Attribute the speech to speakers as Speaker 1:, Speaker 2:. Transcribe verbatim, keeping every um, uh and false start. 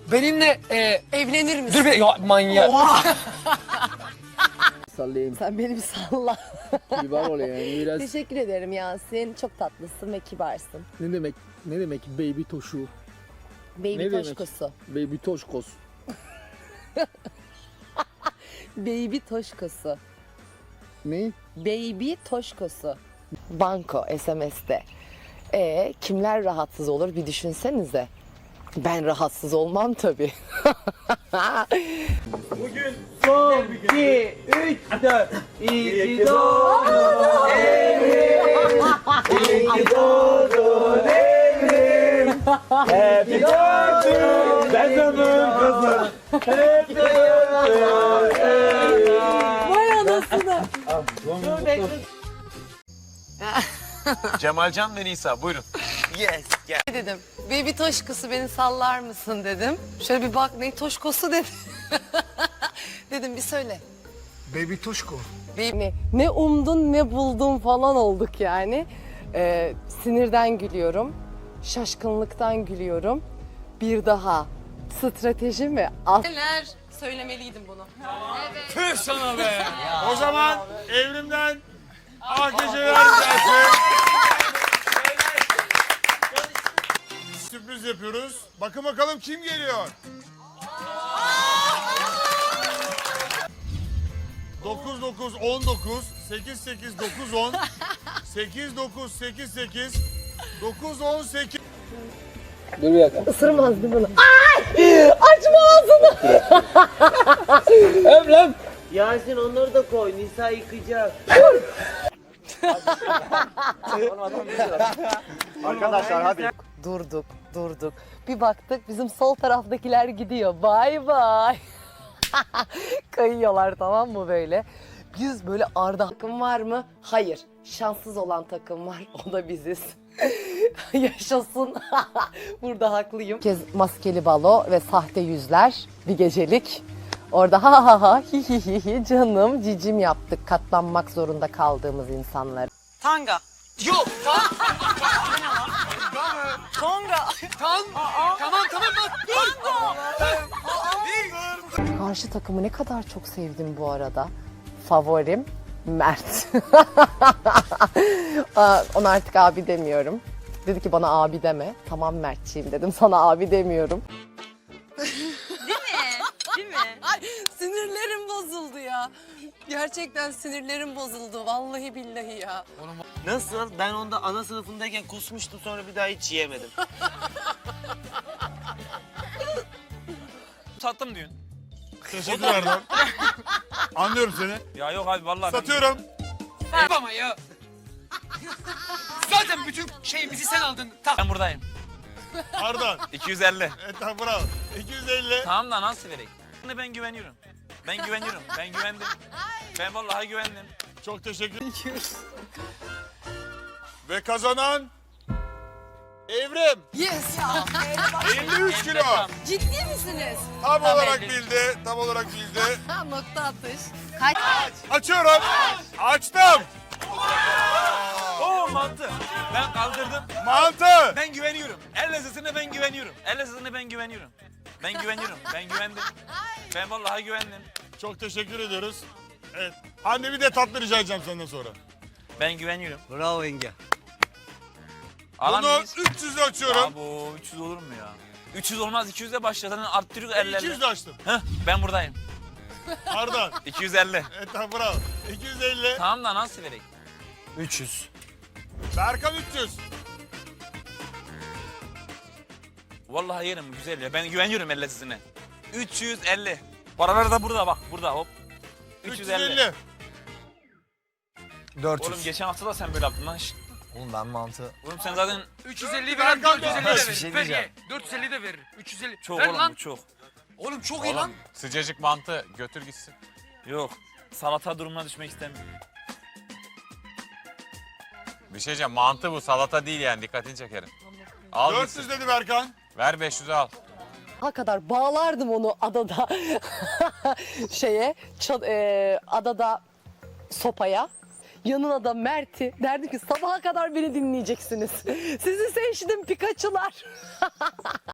Speaker 1: Benimle e,
Speaker 2: Evlenir misin?
Speaker 1: dur bir ya manyak.
Speaker 3: Sallayayım.
Speaker 2: Sen beni bir salla.
Speaker 3: Kibar ol yani biraz.
Speaker 2: Teşekkür ederim Yasin. Çok tatlısın ve kibarsın.
Speaker 3: Ne demek ne demek baby toşu?
Speaker 2: Baby
Speaker 3: Ne demek?
Speaker 2: toşkosu.
Speaker 3: Baby toşkos.
Speaker 2: Baby toşkosu.
Speaker 3: Ne?
Speaker 2: Baby toşkosu. Banko S M S'te. E kimler rahatsız olur bir düşünsenize. Ben rahatsız olmam tabii.
Speaker 4: Son, iki, üç, dört. İyi ki doğdun evrim. İyi ki doğdun evrim. Happy birthday. Ben senin kızım. Happy birthday.
Speaker 2: Vay anasını.
Speaker 5: Cemalcan ve Nisa buyurun.
Speaker 4: Yes, gel.
Speaker 2: Ne dedim? Baby toşkosu beni sallar mısın dedim. Şöyle bir bak ne toşkosu dedi. Dedim bir söyle.
Speaker 1: Baby Toşko.
Speaker 2: Ne, ne umdun ne buldun falan olduk yani. Ee, sinirden gülüyorum. Şaşkınlıktan gülüyorum. Bir daha strateji mi? Neler söylemeliydim bunu.
Speaker 5: Tüh sana be.
Speaker 6: O zaman evrimden A geceler gelsin. Sürpriz yapıyoruz. Bakın bakalım kim geliyor? dokuz dokuz on dokuz, sekiz sekiz dokuz on, sekiz dokuz sekiz sekiz, dokuz on sekiz.
Speaker 3: Dur bir dakika.
Speaker 2: Isırmazdı bunu. Ay! Açma ağzını.
Speaker 3: Öp lan.
Speaker 4: Yasin onları da koy. Nisa yıkayacak.
Speaker 6: Arkadaşlar hadi.
Speaker 2: Durduk, durduk. Bir baktık bizim sol taraftakiler gidiyor. Bay bay. Kayıyorlar tamam mı böyle? Biz böyle arda takım var mı? Hayır. Şanssız olan takım var. O da biziz. Yaşasın. Burada haklıyım. Bir kez maskeli balo ve sahte yüzler bir gecelik. Orada ha ha ha hi hi hi hi canım cicim yaptık katlanmak zorunda kaldığımız insanlar.
Speaker 1: Tanga. Yok. Tonga. Tan. Tamam tamam bak. Dur.
Speaker 2: Karşı takımı ne kadar çok sevdim bu arada. Favorim Mert. Aa, ona artık abi demiyorum. Dedi ki bana abi deme. Tamam Mertçiyim dedim. Sana abi demiyorum.
Speaker 7: Değil mi?
Speaker 2: Ay sinirlerim bozuldu ya. Gerçekten sinirlerim bozuldu. Vallahi billahi ya.
Speaker 4: Nasıl? Ben onda ana sınıfındayken kusmuştum sonra bir daha hiç yiyemedim.
Speaker 5: Sattım diyorsun.
Speaker 6: Teşekkür ederim. Anlıyorum seni.
Speaker 5: Ya yok abi vallahi.
Speaker 6: Satıyorum.
Speaker 1: Ama ya. Zaten bütün şeyimizi sen aldın. Tak.
Speaker 5: Ben buradayım.
Speaker 6: Ardan.
Speaker 5: iki yüz elli.
Speaker 6: Evet tamam bravo. iki yüz elli.
Speaker 5: Tamam da nasıl vereyim? Ben güveniyorum. Ben güveniyorum. Ben güvendim. Ben vallahi güvendim.
Speaker 6: Çok teşekkür ederim. Ve kazanan Evrim.
Speaker 2: Yes.
Speaker 6: elli üç kilo.
Speaker 2: Ciddi misiniz?
Speaker 6: Tam olarak bildi. Tam olarak bildi.
Speaker 2: Ha, nokta atış.
Speaker 6: Açıyorum. Açtım.
Speaker 5: Oo mantı. Ben kaldırdım.
Speaker 6: Mantı.
Speaker 5: Ben güveniyorum. El lezzetine ben güveniyorum. El lezzetine ben güveniyorum. Ben güveniyorum. Ben güvendim. Ben vallahi güvendim.
Speaker 6: Çok teşekkür ediyoruz. Evet. Anne bir de tatlı rica edeceğim senden sonra.
Speaker 5: Ben güveniyorum.
Speaker 4: Bravo yenge.
Speaker 5: Alan
Speaker 6: Bunu
Speaker 5: biz-
Speaker 6: üç yüze açıyorum.
Speaker 5: Ya bu üç yüz olur mu ya? üç yüz olmaz. iki yüzle başladı. Arttırıyor ellerle.
Speaker 6: iki yüz de açtım.
Speaker 5: Heh, ben buradayım.
Speaker 6: Ardan.
Speaker 5: iki yüz elli.
Speaker 6: Evet tamam bravo. iki yüz elli.
Speaker 5: Tamam da nasıl vereyim?
Speaker 1: üç yüz.
Speaker 6: Berkan üç yüz.
Speaker 5: Vallahi yerim güzel ya. Ben güveniyorum el lezzetine. üç yüz elli. Paralar da burada bak. Burada hop. üç yüz elli.
Speaker 1: dört
Speaker 5: Oğlum
Speaker 1: yüz.
Speaker 5: geçen hafta da sen böyle yaptın lan. Şşt.
Speaker 1: Oğlum ben mantı.
Speaker 5: Oğlum sen zaten
Speaker 1: üç yüz elli
Speaker 6: Berkan
Speaker 1: veren dört yüz elli de
Speaker 6: bir
Speaker 1: verir.
Speaker 5: şey
Speaker 1: Ver
Speaker 5: diyeceğim.
Speaker 1: ye. dört yüz elli de verir. üç yüz elli.
Speaker 5: çok
Speaker 1: Ver
Speaker 5: oğlum
Speaker 1: lan.
Speaker 5: bu çok.
Speaker 1: Oğlum çok iyi lan.
Speaker 5: Sıcacık mantı götür gitsin. Yok. Salata durumuna düşmek istemiyorum.
Speaker 8: Bir şey diyeceğim, mantı bu, salata değil yani, dikkatini çekerim. Al
Speaker 6: dört
Speaker 8: gitsin.
Speaker 6: yüz dedi Berkan.
Speaker 8: Ver beş yüzü al.
Speaker 2: Ha kadar bağlardım onu adada şeye ça- e, adada sopaya. Yanına da Mert'i derdim ki sabaha kadar beni dinleyeceksiniz. Sizi seçtim Pikachu'lar.